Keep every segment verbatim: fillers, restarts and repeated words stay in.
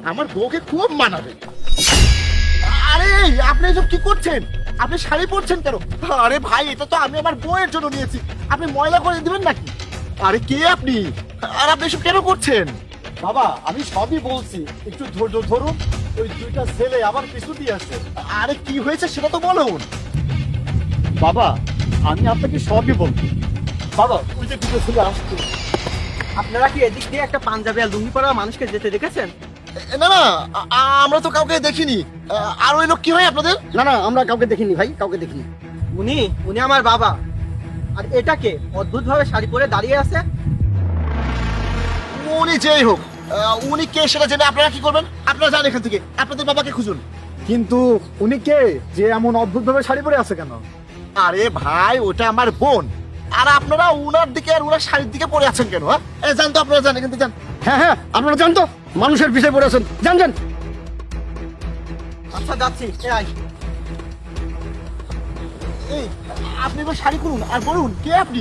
আমার বউকে খুব মানাবে। আরে আপনি এসব কি করছেন? আপনি শাড়ি পরছেন কেন? আরে ভাই, এটা তো আমি আমার বউয়ের জন্য নিয়েছি, আপনি ময়লা করে দিবেন নাকি? আরে কে আপনি, আর আপনি এসব কেন করছেন? বাবা আমি সবই বলছি, একটু ধৈর্য ধরুন। ওই দুইটা ছেলে আমার পিছু দিয়ে আসছে। আরে কি হয়েছে সেটা তো বলুন। বাবা আমি আপনাকে সবই বলবো। বাবা ওই যে দুটো ছেলে আসছে। আপনারা কি এদিক দিয়ে একটা পাঞ্জাবি আর লুঙ্গি পরা মানুষকে যেতে দেখেছেন? না না, আ- আ- আমরা তো কাউকে দেখিনি। আ- আর ওই লোক কি হয় আপনাদের? না না, আমরা কাউকে দেখিনি ভাই, কাউকে দেখিনি। উনি উনি আমার বাবা। আর এটাকে অদ্ভুত ভাবে শাড়ি পরে দাঁড়িয়ে আছে। উনি যেই হোক, আ, উনি কে সেটা জেনে আপনারা কি করবেন? আপনারা যান এখান থেকে, আপনাদের বাবাকে খুঁজুন। কিন্তু উনি কে যে এমন অদ্ভুত ভাবে শাড়ি পরে আছে কেন? আরে ভাই, ওটা আমার বোন। আর আপনারা উনার দিকে আর উনার শাড়ির দিকে পড়ে আছেন কেন? হ্যাঁ, এ, যান তো, আপনারা যান এখান থেকে, যান। হ্যাঁ হ্যাঁ, আপনারা জান তো, মানুষের পিছিয়ে পড়ে আছেন, জান জান। আচ্ছা যাচ্ছি। এ আয়। এই, আপনি এবার শাড়ি খুলুন আর বলুন কে আপনি।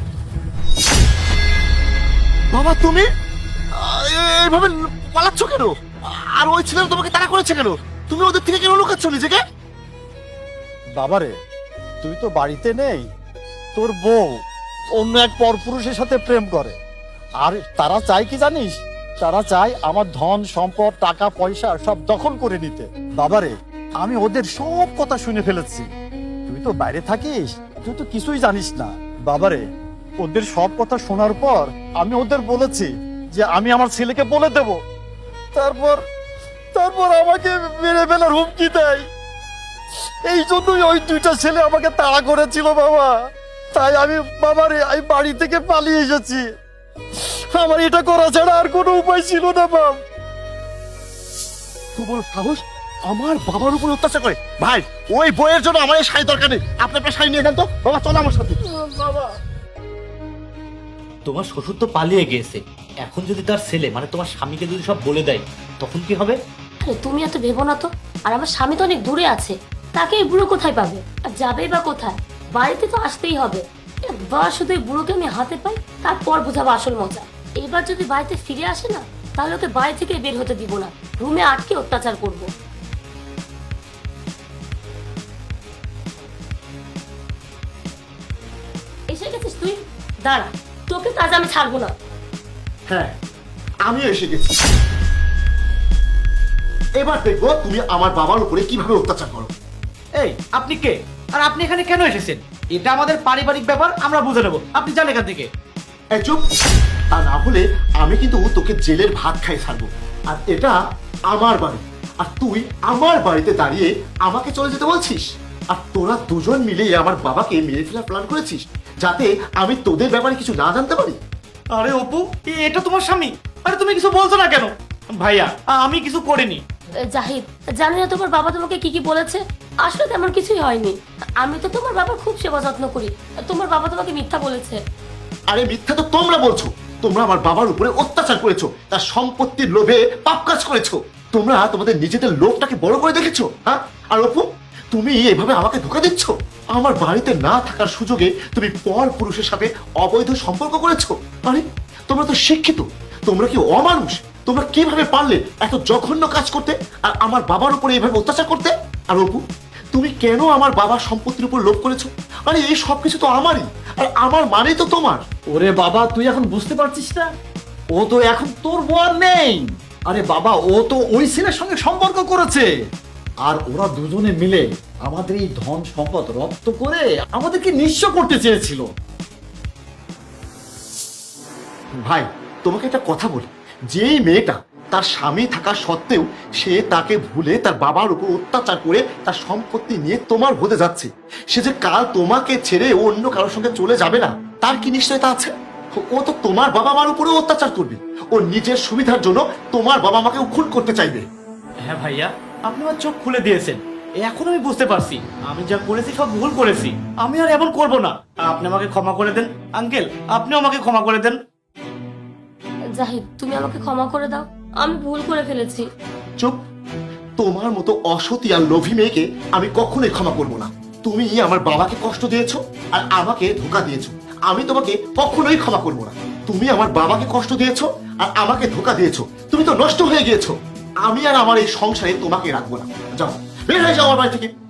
বাবা তুমি আ, এ- এইভাবে পালাচ্ছ কেন? আর ওই ছেলেরা তোমাকে তাড়া করেছে কেন? তুমি ওদের থেকে কেন লুকাচ্ছ নিজেকে? বাবারে তুই তো বাড়িতে নেই, তোর বউ অন্য এক পরপুরুষের সাথে প্রেম করে। আর তারা চায় কি জানিস? তারা চায় আমার ধন সম্পদ টাকা পয়সা সব দখল করে নিতে। বাবারে আমি ওদের সব কথা শুনে ফেলেছি। তুই তো বাইরে থাকিস, তুই তো কিছুই জানিস না। বাবারে ওদের সব কথা শোনার পর আমি ওদের বলেছি যে আমি আমার ছেলেকে বলে দেব। তারপর তারপর আমাকে মেরে ফেলার হুমকি দেয়। এই জন্যই ওই দুইটা ছেলে আমাকে তাড়া করেছিল বাবা। তাই আমি বাবারে আমি বাড়ি থেকে পালিয়ে এসেছি। আমার এটা করা ছাড়া আর কোনো উপায় ছিল না বাপ। তোমার সাহস আমার বাবার উপর অত্যাচার করে? ভাই, ওই বইয়ের জন্য আমার এই শাড়ি দরকার নেই। আপনি আপনার শাড়ি নিয়ে যান তো। বাবা চলো আমার সাথে। বাবা তোমার শ্বশুর তো পালিয়ে গিয়েছে, এখন যদি তার ছেলে মানে তোমার স্বামীকে যদি সব বলে দেয় তখন কি হবে? আরে তুমি এত ভেবো না তো। আর আমার স্বামী তো অনেক দূরে আছে, তাকে এই বুড়ো কোথায় পাবে? আর যাবেই বা কোথায়? বাড়িতে তো আসতেই হবে। একবার শুধু এই বুড়োকে আমি হাতে পাই, তারপর বোঝাবো আসল মজা। এবার যদি বাড়িতে ফিরে আসে না, তাহলে ওকে বাড়ি থেকে বের হতে দিব না, রুমে আটকে অত্যাচার করব। এসে গেছিস তুই? দাঁড়া, তোকে কাজ আমি ছাড়বো না। হ্যাঁ, আমি এসে গেছি। এবার দেখবো তুমি আমার বাবার উপরে কিভাবে অত্যাচার করো। এই আপনি কে, আর আপনি এখানে কেন এসেছেন? এটা আমাদের পারিবারিক ব্যাপার, আমরা বুঝে নেবো। আপনি যান এখান থেকে। এই চুপ! তা না হলে আমি কিন্তু তোকে জেলের ভাত খাই ছাড়বো। আর এটা আমার বাড়ি, আর তুই আমার বাড়িতে দাঁড়িয়ে আমাকে চলে যেতে বলছিস। আর তোরা দুজন মিলে আমার বাবাকে মেরে ফেলার প্ল্যান করেছিস, যাতে আমি তোদের ব্যাপারে কিছু না জানতে পারি। আরে অপু, এ- এটা তোমার স্বামী? আরে তুমি কিছু বলছো না কেন? ভাইয়া, আ- আমি কিছু করিনি। জাহিদ, জানি না তোমার বাবা তোমাকে কি কি বলেছে। আসলে তেমন কিছুই হয়নি। আমি তো তোমার বাবার খুব সেবা যত্ন করি। তোমার বাবা তোমাকে মিথ্যা বলেছে। আরে মিথ্যা তো তোমরা বলছো। তোমরা আমার বাবার উপরে অত্যাচার করেছো, তার সম্পত্তির লোভে পাপ কাজ করেছো। তোমরা তোমাদের নিজেদের লোভটাকে বড় করে দেখেছো। হ্যাঁ, আর অপু, তুমি এভাবে আমাকে ধোঁকা দিচ্ছ। আমার বাড়িতে না থাকার সুযোগে তুমি পর পুরুষের সাথে অবৈধ সম্পর্ক করেছো। আরে তোমরা তো শিক্ষিত, তোমরা কি অমানুষ? তোমরা কিভাবে পারলে এত জঘন্য কাজ করতে, আর আমার বাবার উপরে এভাবে অত্যাচার করতে? আর অপু, তুমি কেন আমার বাবার সম্পত্তির উপর লোভ করেছো? আরে এই সবকিছু তো আমারই, আর আমার মানেই তো তোমার। ওরে বাবা তুই এখন বুঝতে পারছিস না? ও তো এখন তোর বর নেই। আরে বাবা ও তো ওই ছেলের সঙ্গে সম্পর্ক করেছে। আর ওরা দুজনে মিলে আমাদের এই ধন সম্পদ রপ্ত করে আমাদেরকে নিঃস্ব করতে চেয়েছিল। ভাই, তোমাকে একটা কথা বলি, যেই মেয়েটা তার স্বামী থাকা সত্ত্বেও সে তাকে ভুলে তার বাবার উপর অত্যাচার করে তার সম্পত্তি নিয়ে তোমার হতে যাচ্ছে, সে যে কাল তোমাকে ছেড়ে অন্য কারোর সঙ্গে চলে যাবে না, তার কি নিশ্চয়তা আছে? ও তো তোমার বাবা মার উপরেও অত্যাচার করবে। ও নিজের সুবিধার জন্য তোমার বাবা মাকে খুন করতে চাইবে। হ্যাঁ ভাইয়া, আপনি আমার চোখ খুলে দিয়েছেন। এখন আমি বুঝতে পারছি আমি যা করেছি সব ভুল করেছি। আমি আর এমন করব না। আপনি আমাকে ক্ষমা করে দেন আঙ্কেল, আপনিও আমাকে ক্ষমা করে দেন। জাহিদ, তুমি আমাকে ক্ষমা করে দাও, আমি ভুল করে ফেলেছি। চুপ! তোমার মতো অসতী আর লোভী মেয়েকে আমি কখনোই ক্ষমা করবো না। তুমি আমার বাবাকে কষ্ট দিয়েছো আর আমাকে ধোকা দিয়েছো, আমি তোমাকে কখনোই ক্ষমা করবো না। তুমি আমার বাবাকে কষ্ট দিয়েছো আর আমাকে ধোকা দিয়েছো, তুমি তো নষ্ট হয়ে গিয়েছো। আমি আর আমার এই সংসারে তোমাকে রাখবো না। যাও, বের হয়ে যাও আমার বাড়ি থেকে।